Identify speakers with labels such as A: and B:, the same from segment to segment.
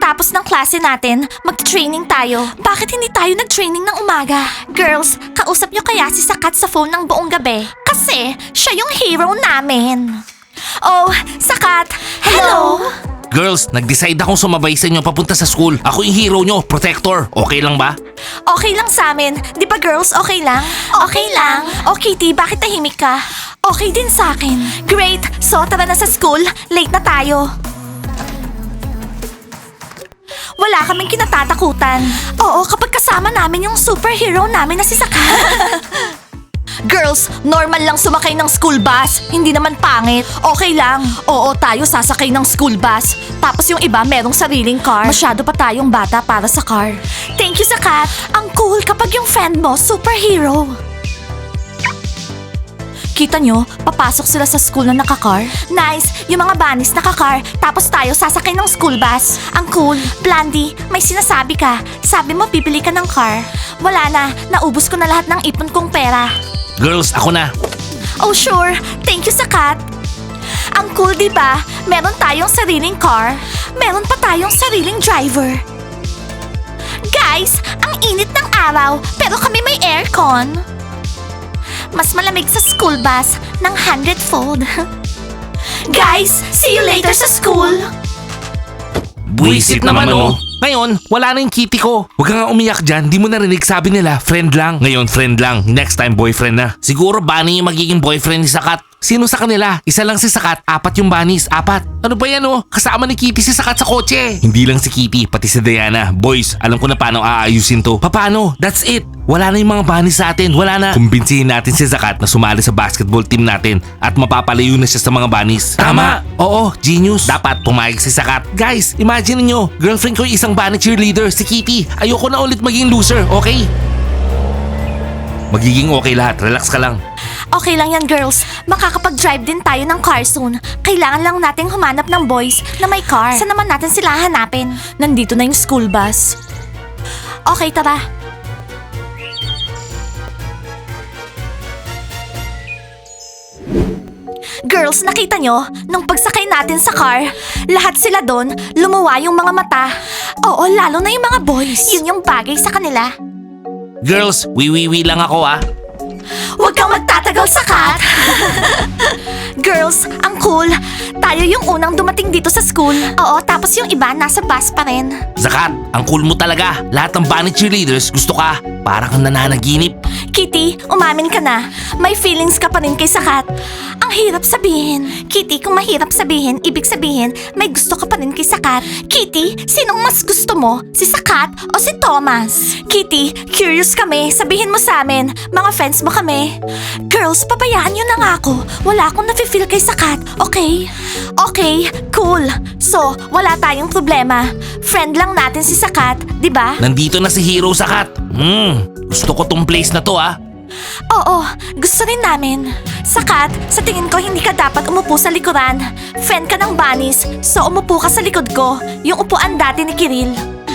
A: Pagkatapos ng klase natin, mag-training tayo. Bakit hindi tayo nag-training ng umaga? Girls, kausap nyo kaya si Sakat sa phone ng buong gabi? Kasi siya yung hero namin. Oh, Sakat! Hello?
B: Girls, nag-decide akong sumabay sa inyo papunta sa school. Ako yung hero nyo, protector. Okay lang ba?
A: Okay lang sa amin. Di ba girls, okay lang? Okay lang. O Kitty, bakit tahimik ka? Okay din sa akin. Great! So, tara na sa school. Late na tayo. Wala kaming kinatatakutan. Oo, kapag kasama namin yung superhero namin na si Sakat. Girls, normal lang sumakay ng school bus. Hindi naman pangit. Okay lang. Oo, tayo sasakay ng school bus. Tapos yung iba merong sariling car. Masyado pa tayong bata para sa car. Thank you, Sakat. Ang cool kapag yung friend mo, superhero. Kita nyo, papasok sila sa school na naka-car. Nice! Yung mga bunnies naka-car, tapos tayo sasakay ng school bus. Ang cool. Blandy, may sinasabi ka. Sabi mo bibili ka ng car. Wala na, naubos ko na lahat ng ipon kong pera.
B: Girls, ako na.
A: Oh sure, thank you Sakat. Ang cool di ba? Meron tayong sariling car. Meron pa tayong sariling driver. Guys, ang init ng araw, pero kami may aircon. Mas malamig sa school bus ng 100-fold. Guys, see you later sa school.
B: Buisit naman oh. Ngayon, wala na yung kitty ko. Huwag ka nga umiyak dyan, di mo narinig sabi nila, friend lang. Ngayon, friend lang. Next time, boyfriend na. Siguro bunny yung magiging boyfriend ni Sakat. Sino sa kanila? Isa lang si Sakat, apat yung bunnies, apat. Ano ba yan oh? Kasama ni Kitty si Sakat sa kotse. Hindi lang si Kitty, pati si Diana. Boys, alam ko na paano aayusin to. Paano? That's it. Wala na yung mga bunnies sa atin, wala na. Kumbinsihin natin si Sakat na sumali sa basketball team natin at mapapalayo na siya sa mga bunnies. Tama! Oo, genius. Dapat pumayag si Sakat. Guys, imagine niyo, girlfriend ko yung isang bunny cheerleader, si Kitty. Ayoko na ulit maging loser, okay? Magiging okay lahat, relax ka lang.
A: Okay lang yan girls, makakapag-drive din tayo ng car soon. Kailangan lang nating humanap ng boys na may car. Saan naman natin sila hanapin? Nandito na yung school bus. Okay, tara. Girls, nakita nyo? Nung pagsakay natin sa car, lahat sila doon, lumuwa yung mga mata. Oo, lalo na yung mga boys. Yun yung bagay sa kanila.
B: Girls, wiwiwi lang ako ah.
A: Huwag kang magtatagal, Sakat! Girls, ang cool. Tayo yung unang dumating dito sa school. Oo, tapos yung iba nasa bus pa rin.
B: Sakat, ang cool mo talaga. Lahat ng bunny cheerleaders gusto ka. Parang kang nananaginip.
A: Kitty, umamin ka na. May feelings ka pa rin kay Sakat. Ang hirap sabihin. Kitty, kung mahirap sabihin, ibig sabihin, may gusto ka pa rin kay Sakat. Kitty, sinong mas gusto mo? Si Sakat o si Thomas? Kitty, curious kami. Sabihin mo sa amin, mga friends mo kami. Girls, pabayaan nyo na nga ako. Wala akong nafe-feel kay Sakat, okay? Okay, cool. So, wala tayong problema. Friend lang natin si Sakat, di ba?
B: Nandito na si Hero Sakat. Gusto ko tong place na to ah.
A: Oo, gusto rin namin. Sakat, sa tingin ko hindi ka dapat umupo sa likuran. Friend ka ng bunnies, so umupo ka sa likod ko. Yung upuan dati ni Kiril.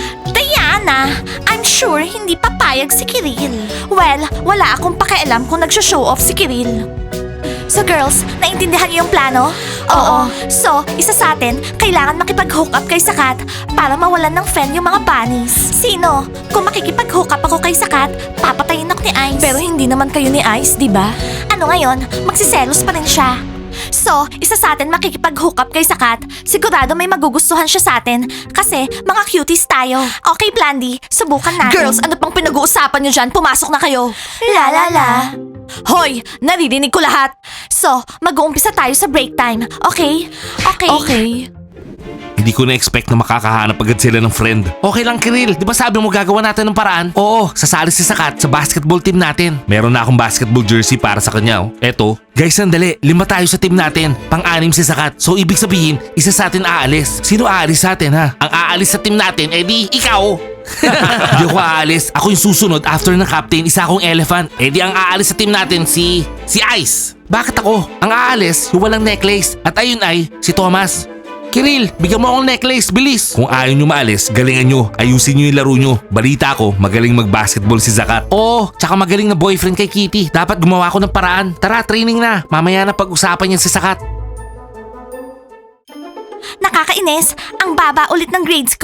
A: Diana, I'm sure hindi papayag si Kiril. Well, wala akong pakialam kung nagsho-show off si Kiril. So girls, naintindihan niyo yung plano? Oo. So, isa sa atin, kailangan makipag-hook up kay Sakat para mawalan ng friend yung mga bunnies. Sino? Kung makikipag-hook up ako kay Sakat, papatayin ako ni Ice. Pero hindi naman kayo ni Ice, di ba? Ano ngayon? Magsiselos pa rin siya. So, isa sa atin makikipag-hook up kay Sakat. Sigurado may magugustuhan siya sa atin kasi mga cuties tayo. Okay, Blandy, subukan natin. Girls, ano pang pinag-uusapan niyo dyan? Pumasok na kayo. La la la. Hoy, naririnig ko lahat. So, mag-uumpisa tayo sa break time, okay? Okay.
B: Hindi ko na-expect na makakahanap agad sila ng friend. Okay lang Kiril, di ba sabi mo gagawa natin ng paraan? Oo, sasali si Sakat sa basketball team natin. Meron na akong basketball jersey para sa kanya oh. Eto, guys sandali, 5 tayo sa team natin. Pang-anim si Sakat. So ibig sabihin, isa sa atin aalis. Sino aalis sa atin ha? Ang aalis sa team natin, edi ikaw. Hindi ako aalis. Ako yung susunod after ng captain, isa akong elephant. Edi ang aalis sa team natin si Ice. Bakit ako? Ang aalis, yung walang necklace. At ayun ay, si Thomas. Kiril, bigyan mo akong necklace, bilis! Kung ayaw nyo maalis, galingan nyo. Ayusin nyo yung laro nyo. Balita ko, magaling mag-basketball si Sakat. Oo, tsaka magaling na boyfriend kay Kitty. Dapat gumawa ko ng paraan. Tara, training na. Mamaya na pag-usapan yan si Sakat.
A: Nakakainis, ang baba ulit ng grades ko.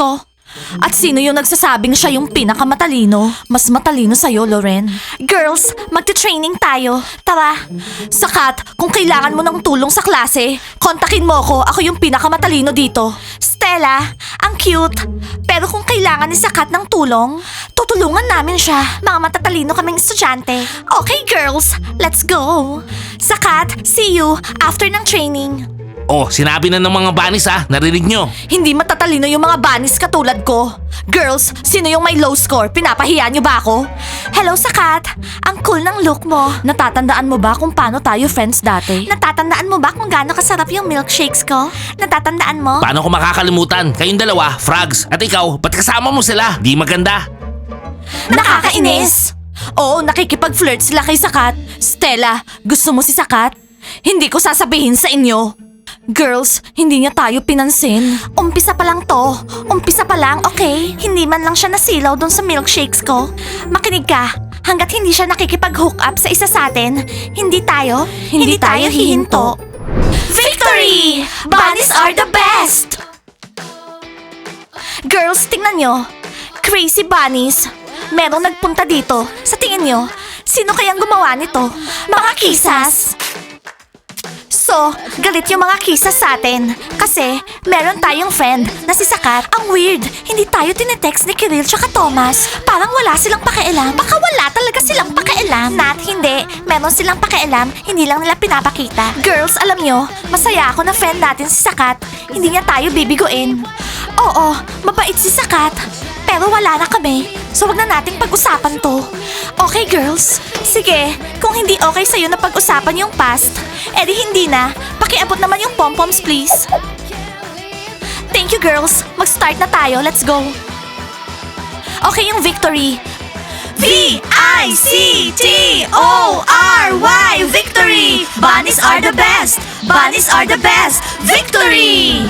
A: At sino yung nagsasabing siya yung pinakamatalino? Mas matalino sa'yo, Loren. Girls, magte-training tayo. Tara. Sakat, kung kailangan mo ng tulong sa klase, kontakin mo ko. Ako yung pinakamatalino dito. Stella, ang cute. Pero kung kailangan ni Sakat ng tulong, tutulungan namin siya. Mga matatalino kaming estudyante. Okay, girls, let's go. Sakat, see you after ng training.
B: Oh, sinabi na ng mga banis narinig nyo.
A: Hindi matatalino yung mga banis katulad ko. Girls, sino yung may low score? Pinapahiya niyo ba ako? Hello, Sakat. Ang cool ng look mo. Natatandaan mo ba kung paano tayo friends dati? Natatandaan mo ba kung gaano kasarap yung milkshakes ko? Natatandaan mo?
B: Paano ko makakalimutan? Kayong dalawa, frogs. At ikaw, ba't kasama mo sila? Di maganda.
A: Nakakainis! Oo, nakikipag-flirt sila kay Sakat. Stella, gusto mo si Sakat? Hindi ko sasabihin sa inyo. Girls, hindi niya tayo pinansin. Umpisa pa lang to. Umpisa pa lang, okay? Hindi man lang siya nasilaw doon sa milkshakes ko. Makinig ka. Hanggat hindi siya nakikipag-hook up sa isa sa atin, hindi tayo hihinto. Victory! Bunnies are the best! Girls, tingnan nyo. Crazy bunnies. Merong nagpunta dito. Sa tingin nyo, sino kayang gumawa nito? Mga kisas. So, galit yung mga kisas sa atin. Kasi, meron tayong friend na si Sakat. Ang weird, hindi tayo tinetext ni Kiril tsaka Thomas. Parang wala silang pakialam. Baka wala talaga silang pakialam. Nat, hindi. Meron silang pakialam, hindi lang nila pinapakita. Girls, alam nyo, masaya ako na friend natin si Sakat. Hindi niya tayo bibiguin. Oo, mabait si Sakat. Pero wala na kami. So wag na nating pag-usapan to. Okay, girls? Sige, kung hindi okay sa'yo na pag-usapan yung past, edi hindi na. Pakiabot naman yung pom-poms, please. Thank you, girls. Mag-start na tayo. Let's go. Okay, yung victory. V-I-C-T-O-R-Y Victory! Bunnies are the best! Bunnies are the best! Victory!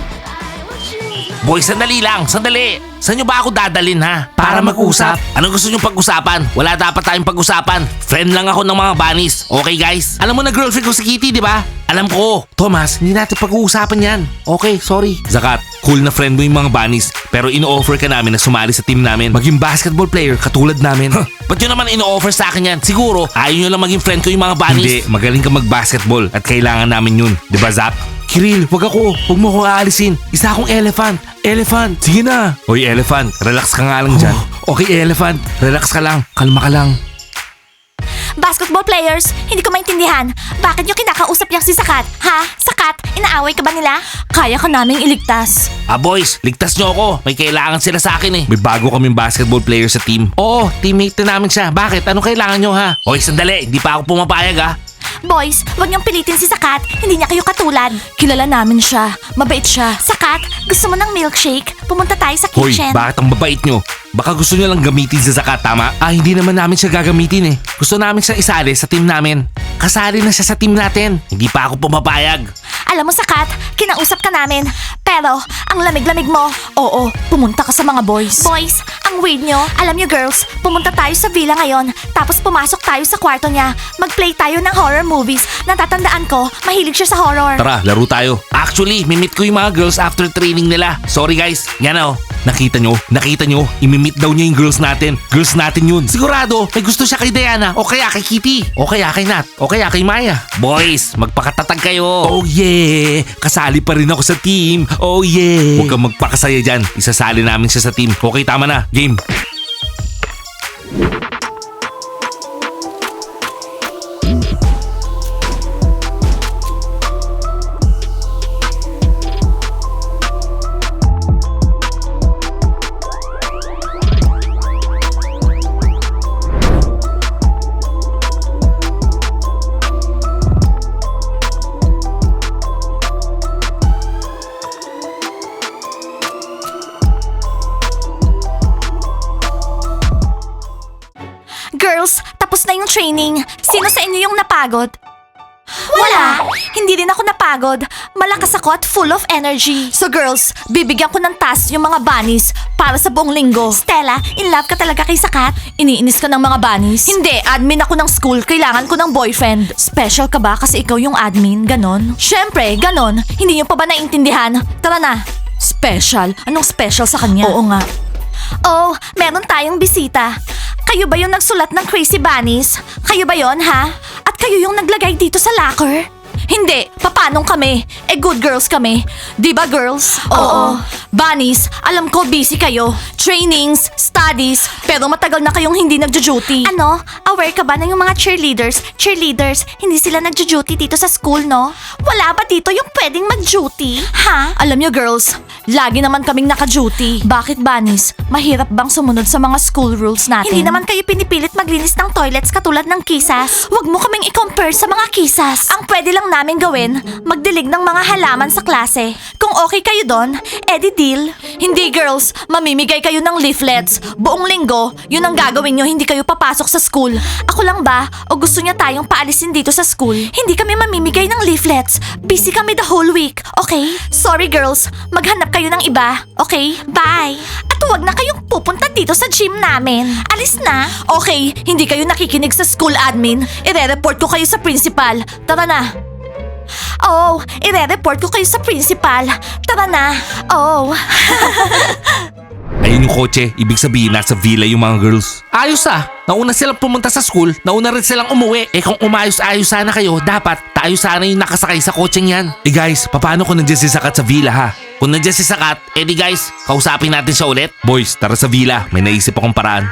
B: Boy, sandali lang, sandali. Saan nyo ba ako dadalin Para mag-usap? Anong gusto nyo pag-usapan? Wala dapat tayong pag-usapan. Friend lang ako ng mga bunnies. Okay guys? Alam mo na girlfriend ko si Kitty, di ba? Alam ko. Thomas, hindi natin pag-uusapan yan. Okay, sorry. Zakat, cool na friend mo yung mga bunnies. Pero ino-offer ka namin na sumali sa team namin. Maging basketball player katulad namin. Ba't yun naman ino-offer sa akin yan? Siguro, ayaw nyo lang maging friend ko yung mga bunnies. Hindi, magaling ka mag-basketball at kailangan namin yun. Di ba, Zach? Kiril, wag ako. Huwag mo ako aalisin. Isa akong elephant. Elephant. Sige na. Hoy, elephant. Relax ka nga lang dyan. Okay, elephant. Relax ka lang. Kalma ka lang.
A: Basketball players, hindi ko maintindihan. Bakit nyo kinakausap yung si Sakat? Ha? Sakat, inaaway ka ba nila? Kaya ka naming iligtas.
B: Boys, ligtas nyo ako. May kailangan sila sa akin May bago kaming basketball player sa team. Oo, teammate na namin siya. Bakit? Anong kailangan nyo Hoy, sandali. Hindi pa ako pumapayag
A: Boys, wag niyong pilitin si Sakat. Hindi niya kayo katulad. Kilala namin siya. Mabait siya. Sakat, gusto mo ng milkshake? Pumunta tayo sa
B: Hoy,
A: kitchen.
B: bakit ang babait nyo? Baka gusto nyo lang gamitin sa Zakat, tama? Hindi naman namin siya gagamitin Gusto namin siya isali sa team namin. Kasali na siya sa team natin. Hindi pa ako pumapayag.
A: Alam mo, Sakat, kinausap ka namin. Pero, ang lamig-lamig mo. Oo, pumunta ka sa mga boys. Boys, ang weird nyo. Alam nyo, girls, pumunta tayo sa villa ngayon. Tapos pumasok tayo sa kwarto niya. Mag-play tayo ng horror movies. Natatandaan ko, mahilig siya sa horror.
B: Tara, laro tayo. Actually, mimit ko yung mga girls after training nila. Sorry guys. Yan Nakita nyo? Imimit daw niya yung girls natin. Girls natin yun. Sigurado, may gusto siya kay Diana. O kaya kay Kitty. O kaya kay Nat. O kaya kay Maya. Boys, magpakatatag kayo. Oh yeah! Kasali pa rin ako sa team. Oh yeah! Huwag kang magpakasaya dyan. Isasali namin siya sa team. Okay, tama na. Game.
A: Girls, tapos na yung training. Sino sa inyo yung napagod? Wala! Hindi rin ako napagod. Malakas ako at full of energy. So girls, bibigyan ko ng task yung mga bunnies para sa buong linggo. Stella, in love ka talaga kay Sakat? Iniinis ka ng mga bunnies? Hindi, admin ako ng school. Kailangan ko ng boyfriend. Special ka ba kasi ikaw yung admin? Ganon? Syempre, ganon. Hindi nyo pa ba naiintindihan? Tara na. Special? Anong special sa kanya? Oo nga. Oh, meron tayong bisita. Kayo ba yung nagsulat ng Crazy Bunnies? Kayo ba yon, ha? At kayo yung naglagay dito sa locker? Hindi, papanong kami? Good girls kami. Di ba girls? Oo. Bunnies, alam ko busy kayo. Trainings, studies, pero matagal na kayong hindi nagjo-duty. Ano? Aware ka ba na yung mga cheerleaders, hindi sila nagjo-duty dito sa school, no? Wala ba dito yung pwedeng mag-duty? Ha? Alam nyo girls, lagi naman kaming naka-duty. Bakit Bunnies? Mahirap bang sumunod sa mga school rules natin? Hindi naman kayo pinipilit maglinis ng toilets katulad ng kisas. Huwag mo kaming i-compare sa mga kisas. Ang pwede lang namin gawin, magdilig ng mga halaman sa klase. Kung okay kayo doon, edi deal. Hindi girls, mamimigay kayo ng leaflets. Buong linggo, yun ang gagawin nyo, hindi kayo papasok sa school. Ako lang ba? O gusto niya tayong paalisin dito sa school? Hindi kami mamimigay ng leaflets. Busy kami the whole week, okay? Sorry girls, maghanap kayo ng iba, okay? Bye! At huwag na kayong pupunta dito sa gym namin. Alis na. Okay, hindi kayo nakikinig sa school admin. Ire-report ko kayo sa principal. Tara na. Oh, ire-report ko kayo sa principal. Tara na. Oh.
B: Ayun yung kotse, ibig sabihin nasa villa yung mga girls. Ayos nauna silang pumunta sa school, nauna rin silang umuwi. Kung umayos-ayos sana kayo, dapat tayo sana yung nakasakay sa kotseng yan. Guys, paano kung nandiyan si Sakat sa villa ha? Kung nandiyan si Sakat, di guys, kausapin natin siya ulit. Boys, tara sa villa, may naisip akong paraan.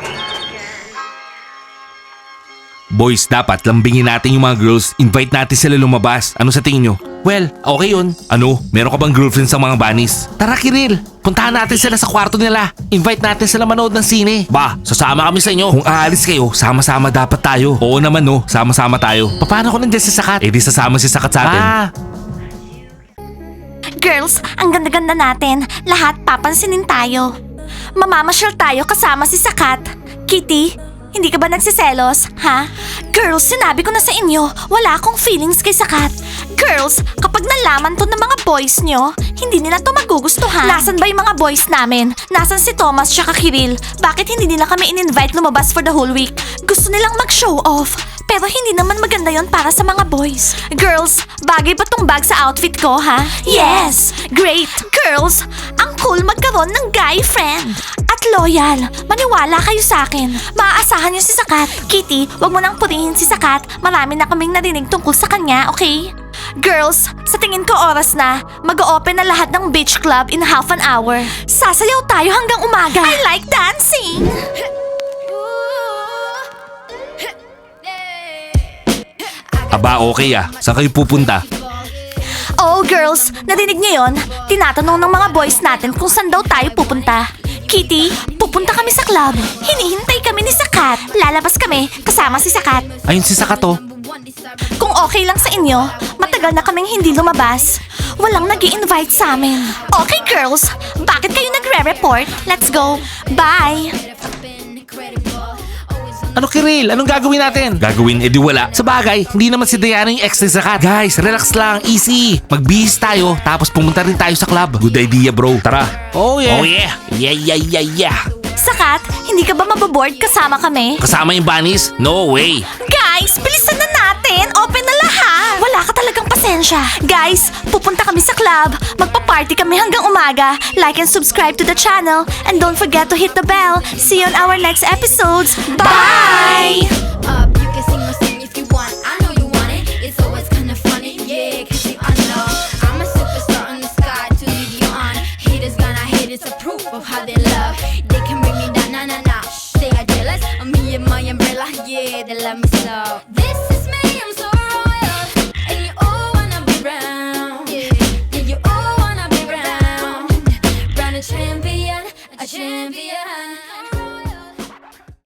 B: Boys, dapat lambingin natin yung mga girls, invite natin sila lumabas. Ano sa tingin nyo? Well, okay yun. Ano, meron ka bang girlfriend sa mga bunnies? Tara Kiril, puntahan natin sila sa kwarto nila. Invite natin sila manood ng sine. Ba, sasama kami sa inyo. Kung aalis kayo, sama-sama dapat tayo. Oo naman no, sama-sama tayo. Paano kung nandiyan si Sakat? Di sasama si Sakat sa atin.
A: Girls, ang ganda-ganda natin. Lahat papansinin tayo. Mamamasyal tayo kasama si Sakat. Kitty, hindi ka ba nagsiselos, ha? Girls, sinabi ko na sa inyo, wala akong feelings kay Sakat. Girls, kapag nalaman to ng mga boys nyo, hindi nila to magugustuhan. Nasaan ba yung mga boys namin? Nasaan si Thomas tsaka Kiril? Bakit hindi nila kami in-invite lumabas for the whole week? Gusto nilang mag-show off. Pero hindi naman maganda yon para sa mga boys. Girls, bagay ba tong bag sa outfit ko, ha? Yes! Great! Girls, ang cool magkaroon ng guy friend. At loyal. Maniwala kayo sa akin. Maaasahan niyo si Sakat. Kitty, wag mo nang purihin si Sakat. Marami na kaming narinig tungkol sa kanya, okay? Girls, sa tingin ko oras na. Mag-o-open na lahat ng beach club in half an hour. Sasayaw tayo hanggang umaga. I like dancing!
B: Aba, okay Saan kayo pupunta?
A: Oh, girls, narinig niyo yon? Tinatanong ng mga boys natin kung saan daw tayo pupunta. Kitty, pupunta kami sa club. Hinihintay kami ni Sakat. Lalabas kami kasama si Sakat.
B: Ayun si Sakat
A: Kung okay lang sa inyo, matagal na kaming hindi lumabas. Walang nag-i-invite sa amin. Okay, girls, bakit kayo nagre-report? Let's go. Bye!
B: Ano Kiril? Anong gagawin natin? Gagawin, edi wala. Sa bagay, hindi naman si Diana yung ex ni Sakat. Guys, relax lang, easy. Magbihis tayo, tapos pumunta rin tayo sa club. Good idea bro. Tara. Oh yeah. Oh yeah. Yeah.
A: Sakat, hindi ka ba mababoard kasama kami?
B: Kasama yung bunnies? No way.
A: Guys, bilisan na natin. Open na lahat. Wala ka talagang pasensya. Guys, pupunta kami sa club. Magpa-party kami hanggang umaga. Like and subscribe to the channel. And don't forget to hit the bell. See you on our next episodes. Bye!
C: You can sing my sing if you want. I know you want it. It's always kinda funny, yeah. Cause you know I'm a superstar in the sky to lead you on. Haters gonna hate, it's a proof of how they love. They can bring me down, nah. They are jealous of me and my umbrella, yeah. They love me so. This